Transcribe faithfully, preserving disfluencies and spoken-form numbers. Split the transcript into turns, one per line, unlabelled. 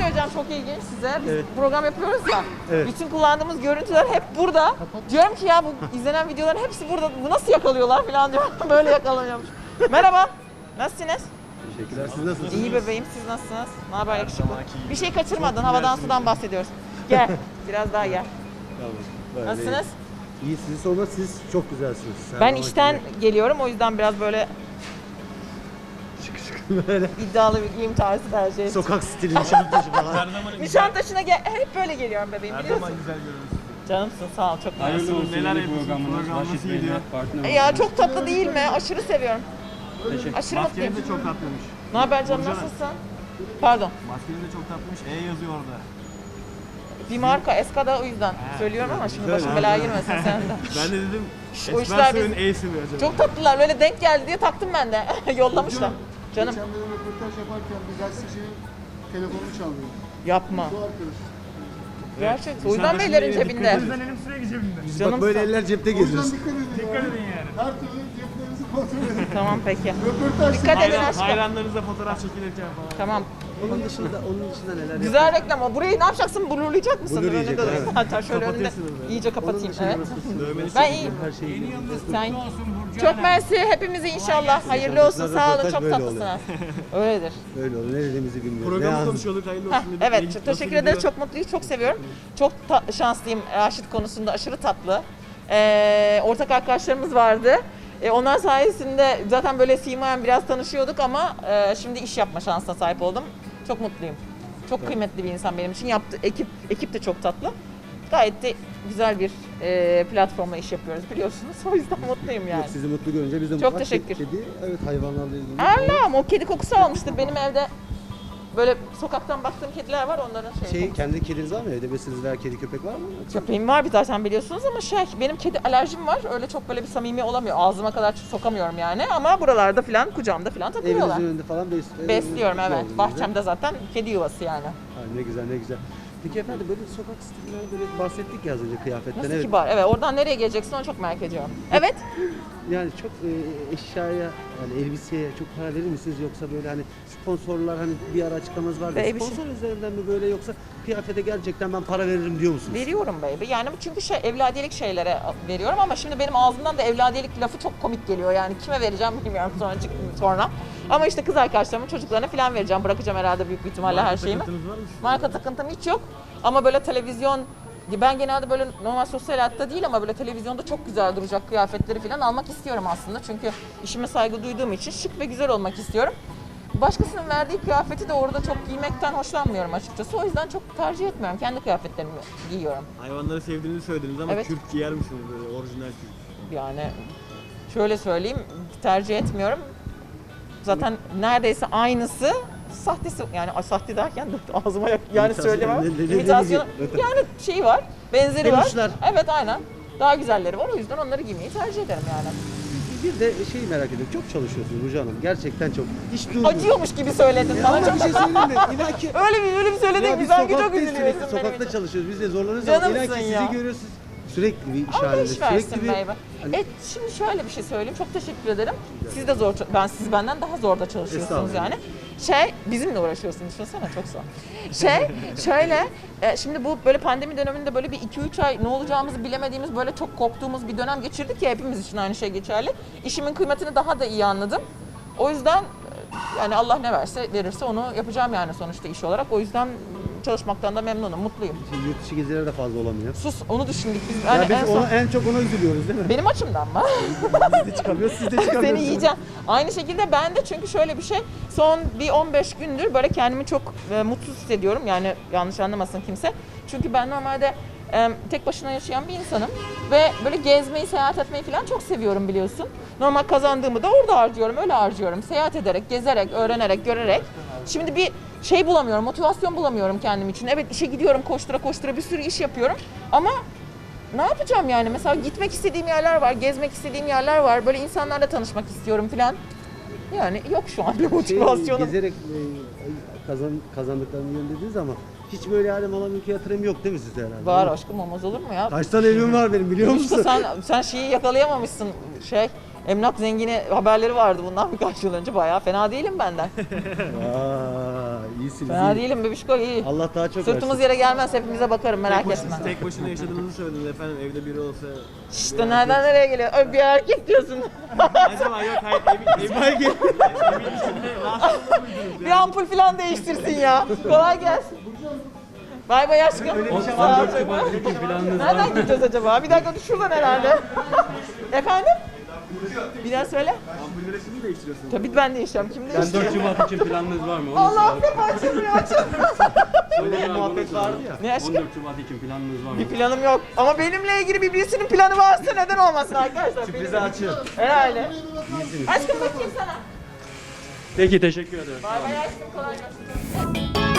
söyleyeceğim çok ilginç size. Biz
Evet.
program yapıyoruz ya.
Evet.
Bütün kullandığımız görüntüler hep burada. Diyorum ki ya bu izlenen videoların hepsi burada. Bu nasıl yakalıyorlar falan diyorum. Böyle yakalanıyormuş. Merhaba. Nasılsınız?
Teşekkürler. Siz nasılsınız?
İyi bebeğim. Siz nasılsınız? Ne haber yakışıklı? Bir şey kaçırmadın. Havadan sudan bahsediyoruz. Gel. Biraz daha gel.
Tamam. Böyle
Nasılsınız?
İyi, sizi sorma, siz çok güzelsiniz. Her
Ben
zamanki
işten
gibi.
geliyorum. O yüzden biraz böyle
Şık şık böyle
iddialı bir giyim tarzı tercih ettim.
sokak stili Nişantaşı falan.
Her zaman güzel,
Nişantaşı'na gel hep böyle geliyorum bebeğim
her
biliyorsun.
zaman güzel görüyorsunuz.
Canımsın sağ ol çok
Hayırlı
mersi.
olsun. Neler yapıyorsunuz? Program nasıl gidiyor?
E Ya çok tatlı değil mi? Aşırı seviyorum.
Teşekkür.
Aşırı mutluyum.
Maskeniz de çok tatlıymış.
Ne haber canım
Burcu
nasılsın? Pardon.
Maskeniz de çok tatlıymış. E yazıyor orada.
Bir marka Eskada o yüzden söylüyorum ama şimdi başım
Güzel,
belaya
güzel.
girmesin sen de.
Ben de dedim
o
Esmer
işler
Soy'un
biz-
E'si mi acaba?
Çok tatlılar böyle denk geldi diye taktım ben de. Yollamışlar. Canım
Geçen benim röportaj yaparken bir gazetecinin telefonunu çalıyor.
yapma.
Bu arkadaş.
Gerçek. O yüzden beylerin cebinde.
O yüzden elim sürekli cebimde.
Canım
Bak böyle eller cepte
O yüzden
geziyoruz.
dikkat edin.
Dikkat
ya.
edin yani.
Her türlü ceplerinizi kontrol edin.
Tamam peki.
Röportaj
Dikkat edin
Hayran,
aşkım.
hayranlarınızla fotoğraf çekilirken falan.
Tamam.
Onun dışında, onun dışında neler
Güzel reklam o. Burayı ne yapacaksın? Blurlayacak mısın?
Blurlayacak,
Önünde
evet.
durayım. Hatta şöyle önünde
Kapatıyorsunuz böyle.
iyice kapatayım. Evet.
Dövmeniz
Ben
çok
iyiyim.
Her şey iyi.
Sen çok mersi hepimize inşallah. Hayırlı olsun. Sağ olun.
Röportaj
Çok
böyle
tatlısınız. Öyledir.
Öyle oldu. Ne dediğimizi bilmiyorum. Ne
Programı
yazdım?
konuşuyorduk. Hayırlı
Heh,
olsun dedik.
evet,
Ne-
çok
nasıl
teşekkür ederiz.
gidiyor?
Çok mutluyuz, çok seviyorum. Çok ta- şanslıyım Raşit konusunda, aşırı tatlı. Ee, ortak arkadaşlarımız vardı. Ee, onlar sayesinde zaten böyle simayen biraz tanışıyorduk ama e, şimdi iş yapma şansına sahip oldum. Çok mutluyum. Çok kıymetli bir insan benim için. Yaptı, ekip ekip de çok tatlı. Gayet de güzel bir e, platformla iş yapıyoruz biliyorsunuz. O yüzden mutluyum yani.
Yok, sizi mutlu görünce biz de
Çok
mutlu.
teşekkür.
Kedi, evet hayvanlarla ilgili.
Allah'ım o kedi kokusu almıştır benim evde. Böyle sokaktan baktığım kediler var onların şey,
Şey,
kokusu.
kendi kediniz var mı? Evde beslediğiniz veya kedi köpek var mı?
Köpeğim var bir zaten biliyorsunuz ama şey benim kedi alerjim var. Öyle çok böyle bir samimi olamıyor. Ağzıma kadar sokamıyorum yani ama buralarda falan kucağımda falan takılıyorlar.
Evinizin önünde falan bes-
Besliyorum
evinizin
evet.
önünde.
Bahçemde zaten kedi yuvası yani.
Ha, ne güzel ne güzel. Peki efendim böyle sokak stilinden böyle bahsettik ya az önce kıyafetten.
Nasıl
Evet.
kibar. Evet oradan nereye geleceksin onu çok merak ediyorum. Evet.
Yani çok e, eşyaya yani elbiseye çok para verir misiniz yoksa böyle hani sponsorlar hani bir ara açıklamanız vardı.
Baby
Sponsor üzerinden mi böyle yoksa kıyafete gerçekten ben para veririm diyor musunuz?
Veriyorum baby. Yani çünkü şey evladiyelik şeylere veriyorum ama şimdi benim ağzımdan da evladiyelik lafı çok komik geliyor. Yani kime vereceğim bilmiyorum sonra sonra. Ama işte kız arkadaşlarımın çocuklarına falan vereceğim. Bırakacağım herhalde büyük bir ihtimalle her şeyimi.
Takıntınız var mı?
Marka takıntım hiç yok. Ama böyle televizyon, ben genelde böyle normal sosyal hayatta değil ama böyle televizyonda çok güzel duracak kıyafetleri falan almak istiyorum aslında. Çünkü işime saygı duyduğum için şık ve güzel olmak istiyorum. Başkasının verdiği kıyafeti de orada çok giymekten hoşlanmıyorum açıkçası. O yüzden çok tercih etmiyorum. Kendi kıyafetlerimi giyiyorum.
Hayvanları sevdiğinizi söylediniz ama
Evet.
kürk giyer misiniz böyle orijinal kürk?
Yani şöyle söyleyeyim, tercih etmiyorum. Zaten neredeyse aynısı sahtesi yani ay, sahte derken de ağzıma yak- yani
İmitasyon,
söylemem.
ne- ne- ne
İmitasyonu
diyecek?
yani şey var, benzeri var.
Peluşlar.
Evet aynen. Daha güzelleri var o yüzden onları giymeyi tercih ederim yani.
Bir de şeyi merak ediyorum. Çok çalışıyorsunuz Burcu Hanım. Gerçekten çok. Hiç durmuyor.
Acıyormuş gibi söyledin bana
Ama
çok.
bir şey söyleyeyim mi? İnan ki
öyle bir öyle bir söyledin
ya
ki
biz
sanki çok
sokaktayız,
üzülüyorsun
sürekli
benim
sokakta
için.
çalışıyoruz. Biz de zorlanıyoruz ama inan
Canımsın
ki sizi
ya.
görüyoruz. Sürekli bir iş
Allah
halinde.
iş versin
Sürekli bir...
baby.
Hani-
E şimdi şöyle bir şey söyleyeyim. Çok teşekkür ederim. Siz de zor, ben siz benden daha zor da çalışıyorsunuz
Estağfurullah.
yani. Şey, bizimle uğraşıyorsunuz düşünsene çok zor. Şey, şöyle, e, şimdi bu böyle pandemi döneminde böyle bir iki üç ay ne olacağımızı bilemediğimiz böyle çok korktuğumuz bir dönem geçirdik ya hepimiz için aynı şey geçerli. İşimin kıymetini daha da iyi anladım. O yüzden e, yani Allah ne verse verirse onu yapacağım yani sonuçta iş olarak. O yüzden çalışmaktan da memnunum, mutluyum.
Şimdi yurt dışı gezileri de fazla olamıyor.
Sus, onu düşündük biz.
Ya
Yani
biz
en son,
ona, en çok ona üzülüyoruz değil mi?
benim açımdan mı?
Biz de çıkamıyoruz, siz de çıkamıyorsunuz.
Seni yiyeceğim. Aynı şekilde ben de çünkü şöyle bir şey son bir on beş gündür böyle kendimi çok e, mutsuz hissediyorum. Yani yanlış anlamasın kimse. Çünkü ben normalde e, tek başına yaşayan bir insanım ve böyle gezmeyi, seyahat etmeyi falan çok seviyorum biliyorsun. Normal kazandığımı da orada harcıyorum, öyle harcıyorum. Seyahat ederek, gezerek, öğrenerek, görerek. Şimdi bir şey bulamıyorum, motivasyon bulamıyorum kendim için. Evet işe gidiyorum koştura koştura bir sürü iş yapıyorum ama ne yapacağım yani? Mesela gitmek istediğim yerler var, gezmek istediğim yerler var. Böyle insanlarla tanışmak istiyorum falan. Yani yok şu an bir
Şey,
motivasyonum.
gezerek e, kazan, kazandıklarını yön dediniz ama hiç böyle yani mala mülke yatırım yok değil mi sizde herhalde?
Var aşkım olmaz olur mu ya?
Kaç tane evim var benim biliyor
İşte
musun?
sen, sen şeyi yakalayamamışsın şey. Emlak zengini haberleri vardı bundan birkaç yıl önce. Bayağı fena değilim benden.
Aa, İyisiniz.
Fena
iyi.
değilim bebişko, iyi.
Allah daha çok
Sırtımız
versin.
yere gelmez, hepimize bakarım, merak
tek,
etme.
başına, tek başına yaşadığınızı söylediniz efendim. Evde biri olsa...
İşte nereden nereye geliyor? Ö, bir erkek diyorsun.
Acaba yok hayır evin, evin, evin içinde rahatsız mıydınız?
Bir ampul falan değiştirsin ya. Kolay gelsin. Bay bay aşkım. Sağ ol canım. Nereden gideceğiz acaba? Bir dakika dur, şuradan herhalde. Efendim? Bir daha söyle.
Ampulleri siz mi değiştiriyorsunuz?
Tabii ben değişeceğim. Kim
Ben
değiştirecek?
dört Şubat için planınız var mı? Onu
Allah hep açılmıyor, açılmıyor.
Öyle bir muhabbet vardı ya.
Ne aşkım?
on dört Şubat için planınız var mı?
Bir planım yok. Ama benimle ilgili bir birisinin planı varsa neden olmasın arkadaşlar?
Sürprizi açın.
Herhalde. Aşkım bakayım sana.
Peki teşekkür ederim.
Bay bay aşkım, kolay gelsin.